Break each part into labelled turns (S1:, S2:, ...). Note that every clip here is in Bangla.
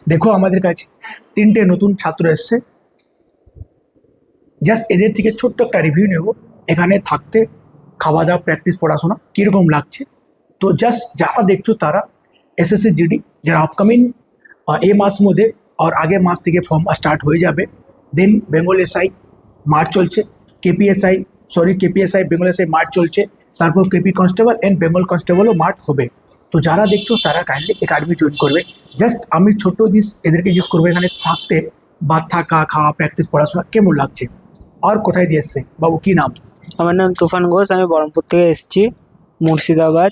S1: দেখো আমাদের কাছে 3টে নতুন ছাত্র এসছে। জাস্ট এদের থেকে ছোট্ট একটা রিভিউ নেব, এখানে থাকতে, খাওয়া দাওয়া, প্র্যাকটিস, পড়াশোনা কীরকম লাগছে। তো জাস্ট যারা দেখছো তারা এসএসসি জিডি যারা আপকামিং এই মাস মধ্যে আর আগের মাস থেকে ফর্ম স্টার্ট হয়ে যাবে। দেন বেঙ্গল এসআই মার্চ চলছে, কেপিএসআই বেঙ্গল এসআই মার্চ চলছে, তারপর কেপি কনস্টেবল অ্যান্ড বেঙ্গল কনস্টেবলও মার্চ হবে। তো যারা দেখছো তারা কাইন্ডলি একাডেমি জয়েন করবে। জাস্ট আমি ছোট্ট জিনিস এদেরকে জিজ্ঞেস করবো, এখানে থাকতে বা থাকা, খাওয়া, প্র্যাকটিস, পড়াশোনা কেমন লাগছে আর কোথায় দিয়ে এসছে? বাবু কি নাম?
S2: আমার নাম তুফান ঘোষ, আমি বহরমপুর থেকে এসেছি, মুর্শিদাবাদ।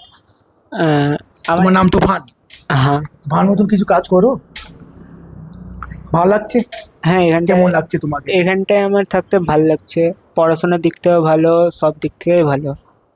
S1: আমার নাম তুফান।
S2: হ্যাঁ
S1: তুফান মতন কিছু কাজ করো, ভালো লাগছে?
S2: হ্যাঁ, এখানটায়
S1: কেমন লাগছে তোমাকে?
S2: এখানটায় আমার থাকতে ভালো লাগছে, পড়াশোনার দিক থেকেও ভালো, সব দিক থেকেই ভালো।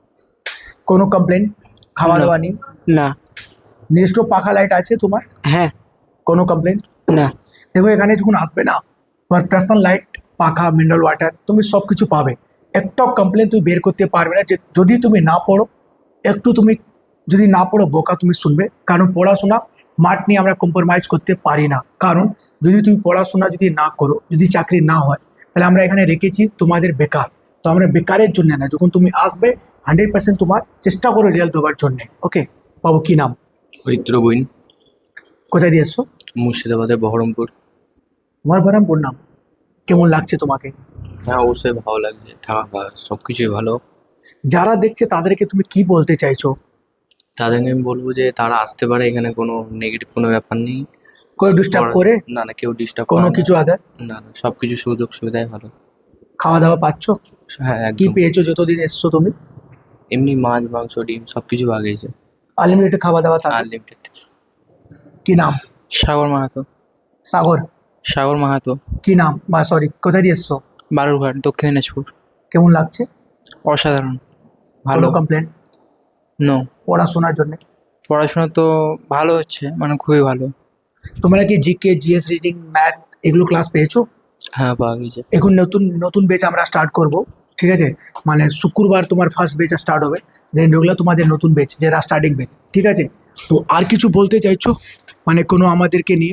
S1: কোনো কমপ্লেন? খাওয়া
S2: না।
S1: দাওয়া নেই?
S2: না।
S1: নিজস্ব পাখা লাইট আছে তোমার?
S2: হ্যাঁ।
S1: কোনো কমপ্লেন?
S2: না।
S1: দেখো এখানে যখন আসবে না, তোমার পার্সোনাল লাইট, পাখা, মিনারেল ওয়াটার তুমি সব কিছু পাবে। একটাও কমপ্লেন তুমি বের করতে পারবে না যে যদি তুমি না পড়ো। একটু তুমি যদি না পড়ো বোকা তুমি শুনবে, কারণ পড়াশোনা মাঠ নিয়ে আমরা কম্প্রোমাইজ করতে পারি না। কারণ যদি তুমি পড়াশোনা যদি না করো, যদি চাকরি না হয়, তাহলে আমরা এখানে রেখেছি তোমাদের বেকার। তো আমরা বেকারের জন্য না, যখন তুমি আসবে 100% তোমার চেষ্টা করো রেজাল্ট দেওয়ার জন্যে। ওকে বাবু, কি নাম?
S3: হরিদ্র বইন,
S1: কোথায় দিয়ে এসছো?
S3: মুর্শিদাবাদের বহরমপুর।
S1: তোমার বহরমপুর নাম। কেমন লাগছে তোমাকে?
S3: হ্যাঁ, অবশ্যই ভালো লাগছে, থাকা খাওয়া সব কিছুই ভালো।
S1: যারা দেখছে তাদেরকে তুমি কি বলতে চাইছো?
S3: তাদেরকে আমি বলবো যে তারা আসতে পারে, এখানে কোনো নেগেটিভ কোনো ব্যাপার নেই।
S1: কেউ ডিস্টার্ব করে?
S3: না না, কেউ ডিস্টার্ব
S1: কোনো কিছু আদার?
S3: না না, সব কিছু সুযোগ সুবিধাই ভালো।
S1: খাওয়া দাওয়া পাচ্ছ?
S3: হ্যাঁ
S1: কি
S3: একদম।
S1: পেয়েছো যতদিন এসছো তুমি?
S3: এমনি মাছ, মাংস, ডিম সব কিছু আগেছে,
S1: আনলিমিটেড খাওয়া দাওয়া থাকে?
S3: আনলিমিটেড।
S1: কি নাম?
S2: সাগর মাহাতো।
S1: সাগর?
S2: সাগর মাহাতো,
S1: কি নাম? বা সরি, কোথায় দিয়ে এসছো?
S2: বালুরঘাট, দক্ষিণ দিনাজপুর।
S1: কেমন লাগছে?
S2: অসাধারণ, ভালো।
S1: ভালো কমপ্লেন?
S2: নো।
S1: পড়াশোনার জন্য?
S2: পড়াশোনা তো ভালো হচ্ছে, মানে খুবই ভালো।
S1: তোমরা কি জিকে, জিএস, রিডিং, ম্যাথ এগুলো ক্লাস পেয়েছো?
S3: হ্যাঁ পাওয়া গেছে।
S1: এখন নতুন নতুন বেচ আমরা স্টার্ট করব, ঠিক আছে? মানে শুক্রবার তোমার ফার্স্ট বেচ স্টার্ট হবে, দেন রেগুলার তোমাদের নতুন বেচ যেটা স্টার্টিং বেচ, ঠিক আছে? তো আর কিছু বলতে চাইছো মানে কোনো আমাদেরকে নিয়ে?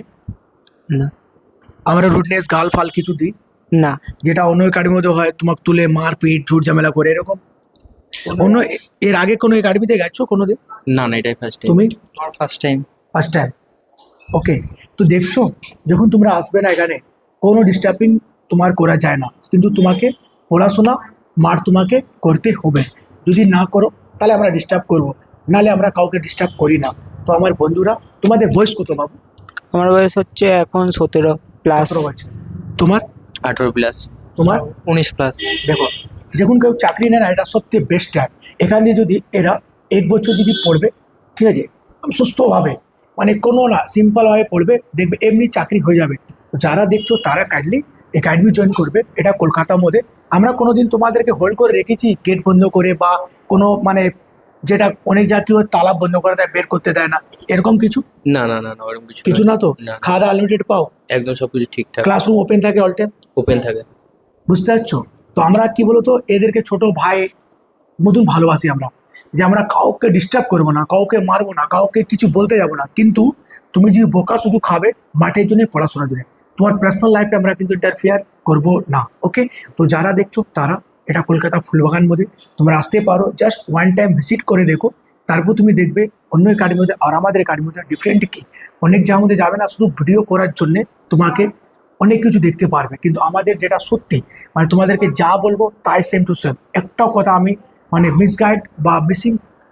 S2: না।
S1: আমরা রুটনেস, গাল ফাল কিছু দিই
S2: না।
S1: যেটা অন্য একাডেমির মধ্যে হয়, তোমাকে তুলে মারপিট, ঝুট ঝামেলা করে এরকম? অন্য এর আগে কোনো একাডেমিতে গেছো কোনো দিন?
S3: না না, এটাই ফার্স্ট টাইম।
S1: তুমি?
S2: আমার first time.
S1: First time. Okay. তো দেখছো যখন তোমরা আসবে না এখানে, কোনো ডিস্টার্বিং তোমার করা যায় না, কিন্তু তোমাকে পড়াশোনা মার তোমাকে করতে হবে। যদি না করো তাহলে আমরা ডিস্টার্ব করবো, নাহলে আমরা কাউকে ডিস্টার্ব করি না। তো আমার বন্ধুরা, তোমাদের বয়স কত বাবু?
S2: আমার বয়স হচ্ছে এখন 17+।
S1: 17 বছর। তোমার?
S3: 18+।
S1: তোমার?
S2: 19+।
S1: দেখো, যখন কেউ চাকরি নেয় না, এটা সবচেয়ে বেস্ট টাইম। এখান দিয়ে যদি এরা 1 বছর যদি পড়বে, ঠিক আছে, সুস্থভাবে, মানে কোনো না, সিম্পলভাবে পড়বে, দেখবে এমনি চাকরি হয়ে যাবে। তো যারা দেখছো তারা কাইন্ডলি একাডেমি জয়েন করবে। এটা কলকাতার মধ্যে। আমরা কোনোদিন তোমাদেরকে হোল্ড করে রেখেছি গেট বন্ধ করে, বা কোনো মানে যেটা অনেক জাতীয় তালা বন্ধ করে দেয়, বের করতে দেয় না, এরকম কিছু?
S3: না না না না, ওরকম কিছু
S1: কিছু না তো?
S3: না।
S1: খাওয়া দাওয়া আনলিমিটেড পাও?
S3: একদম সবকিছু ঠিকঠাক।
S1: ক্লাসরুম ওপেন থাকে অল টাইম?
S3: ওপেন থাকে।
S1: বুঝতে পারছো? তো আমরা কি বলতো, এদেরকে ছোট ভাই মতন ভালোবাসি আমরা, যে আমরা কাউকে ডিস্টার্ব করবো না, কাউকে মারবো না, কাউকে কিছু বলতে যাবো না। কিন্তু তুমি যদি বোকা শুধু খাবে মাঠের জন্য, পড়াশোনার জন্য, তোমার পার্সোনাল লাইফে আমরা কিন্তু ইন্টারফেয়ার করবো না। ওকে? তো যারা দেখছো তারা, এটা কলকাতা ফুলবাগান মধ্যে, তোমরা আসতে পারো, জাস্ট ওয়ান টাইম ভিজিট করে দেখো। তারপর তুমি দেখবে অন্য একাডেমির মধ্যে আর আমাদের একাডেমির মধ্যে ডিফারেন্ট কি। অনেক জায়গার মধ্যে যাবে না শুধু ভিডিও করার জন্যে, তোমাকে অনেক কিছু দেখতে পারবে, কিন্তু আমাদের যেটা সত্যি, মানে তোমাদেরকে যা বলবো তাই সেম টু সেম। একটাও কথা আমি মানে মিসগাইড বা মিসিং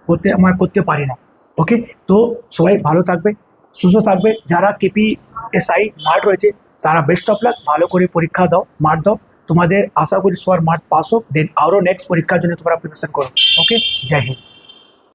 S1: করতে পারি না। ওকে? তো সবাই ভালো থাকবে, সুস্থ থাকবে। যারা কেপিএসআই মার্ট রয়েছে তারা বেস্ট অফ লাক, ভালো করে পরীক্ষা দাও, মার্ট দাও। তোমাদের আশা করি সবার মার্ট পাস হোক, দেন আরও নেক্সট পরীক্ষার জন্য তোমরা প্রিপারেশন করো। ওকে? জয় হিন্দ।